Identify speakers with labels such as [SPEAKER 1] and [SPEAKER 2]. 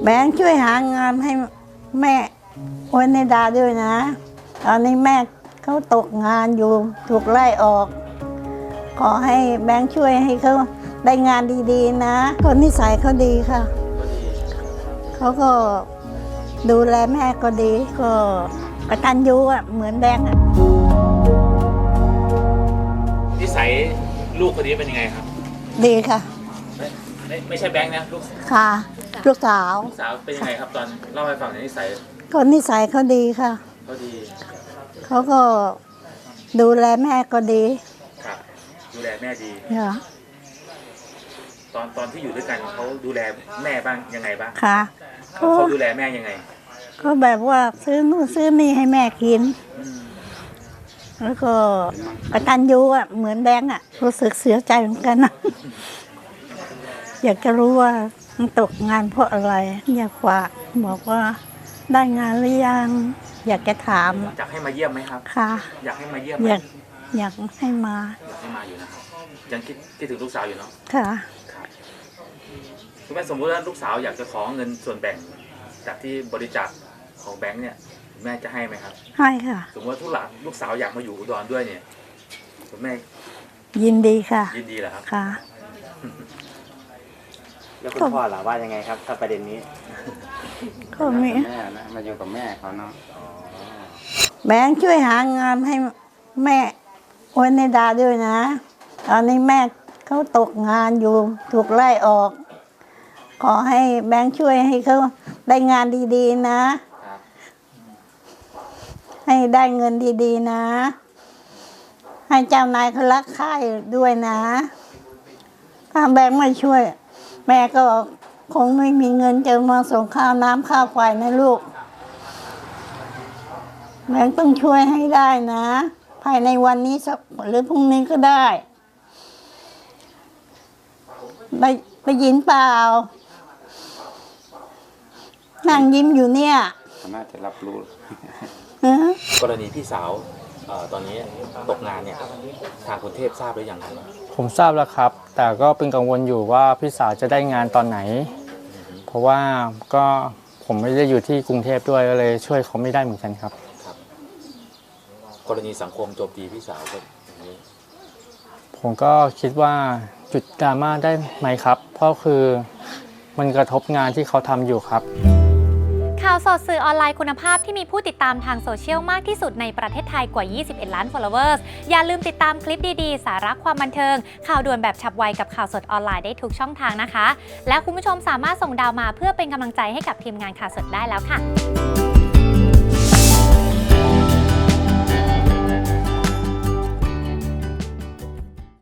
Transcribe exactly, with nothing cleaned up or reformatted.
[SPEAKER 1] บงค์ช่วยหางานให้แม่โอนในดาด้วยนะตอนนี้แม่เขาตกงานอยู่ถูกไล่ออกขอให้แบงค์ช่วยให้เขาได้งานดีๆนะคนนิสัยเขาดีค่ะเขาก็ดูแลแม่ก็ดีก็กตัญญูอ่ะเหมือนแบงค์อ่ะ
[SPEAKER 2] นิสัยลูกคนนี้เป็นยังไงครับ
[SPEAKER 1] ดีค่ะ
[SPEAKER 2] ไม่ไม่ไม่ใช่แบงค์นะลูก
[SPEAKER 1] ค่ะลูกสาว
[SPEAKER 2] ลูกสาวเป็นยังไงครับตอนเล่าให้ฟังในนิสัย
[SPEAKER 1] คนนิสัยเขาดีค่ะ
[SPEAKER 2] เขาดี
[SPEAKER 1] เขาก็ดูแลแม่ก็ดี
[SPEAKER 2] ครับดูแลแม่ดี
[SPEAKER 1] ค่ะ
[SPEAKER 2] ตอนตอนที่อยู่ด้วยกันเขาดูแลแม่บ้างยังไงบ้าง
[SPEAKER 1] ค่ะ
[SPEAKER 2] เขาดูแลแม่ยังไง
[SPEAKER 1] เขาแบบว่าซื้อนู่นซื้อนี่ให้แม่กินแล้วก็กตัญญูอ่ะเหมือนแบงค์อ่ะรู้สึกเสียใจเหมือนกันนะอยากจะรู้ว่ามันตกงานเพราะอะไรอยากฝากบอกว่าได้งานหรือยังอยากจะถาม
[SPEAKER 2] อยากให้มาเยี่ยมไหมครับ
[SPEAKER 1] ค่ะ
[SPEAKER 2] อยากให้มาเยี่ยม
[SPEAKER 1] อยากอยากให้มา
[SPEAKER 2] อยากให้มาอยู่นะครับยังคิดคิดถึงลูกสาวอยู่เนาะ
[SPEAKER 1] ค่ะ
[SPEAKER 2] คุณแม่สมมติว่าลูกสาวอยากจะขอเงินส่วนแบ่งจากที่บริจาคของแบงค์เนี่ยคุณแม่จะให้ไหมครับ
[SPEAKER 1] ให้ค่ะ
[SPEAKER 2] สมมติว่าทุกหลานลูกสาวอยากมาอยู่อุดรด้วยเนี่ยคุณแม่
[SPEAKER 1] ยินดีค่ะ
[SPEAKER 2] ยินดีเหรอครับ
[SPEAKER 1] ค่ะ
[SPEAKER 3] แล้วคุณพ่อล่ะว่ายังไงครับถ้าประเด็นนี้
[SPEAKER 1] ก็มี
[SPEAKER 3] แม่นะมาอยู่กับแม่เขาเนาะ
[SPEAKER 1] แบงค์ช่วยหางานให้แม่โอนในดาด้วยนะตอนนี้แม่เขาตกงานอยู่ถูกไล่ออกขอให้แบงค์ช่วยให้เขาได้งานดีๆนะให้ได้เงินดีๆนะให้เจ้านายเขารักใคร่ด้วยนะถ้าแบงค์ไม่ช่วยแม่ก็คงไม่มีเงินจะมาส่งข้าวน้ำข้าวไฟนะลูกแบงค์ต้องช่วยให้ได้นะภายในวันนี้หรือพรุ่งนี้ก็ได้ได้ได้ยินเปล่านั่งยิ้มอยู่เนี่ย
[SPEAKER 3] น่าจะรับรู้
[SPEAKER 2] กรณีพี่สาวตอนนี้ตกงานเนี่ยทางกรุงเทพทราบหรือยังครับ
[SPEAKER 4] ผมทราบแล้วครับแต่ก็เป็นกังวลอยู่ว่าพี่สาวจะได้งานตอนไหนเพราะว่าก็ผมไม่ได้อยู่ที่กรุงเทพด้วยก็เลยช่วยเขาไม่ได้เหมือนกันครับ
[SPEAKER 2] ครับกรณีสังคมโจมตีพี่สาวแบบนี้
[SPEAKER 4] ผมก็คิดว่าจุดดราม่าได้ไหมครับเพราะคือมันกระทบงานที่เขาทำอยู่ครับ
[SPEAKER 5] ข่าวสดสื่อออนไลน์คุณภาพที่มีผู้ติดตามทางโซเชียลมากที่สุดในประเทศไทยกว่ายี่สิบเอ็ดล้าน followers อย่าลืมติดตามคลิปดีๆสาระความบันเทิงข่าวด่วนแบบฉับไวกับข่าวสดออนไลน์ได้ทุกช่องทางนะคะและคุณผู้ชมสามารถส่งดาวมาเพื่อเป็นกำลังใจให้กับทีมงานข่าวสดได้แล้วค่ะ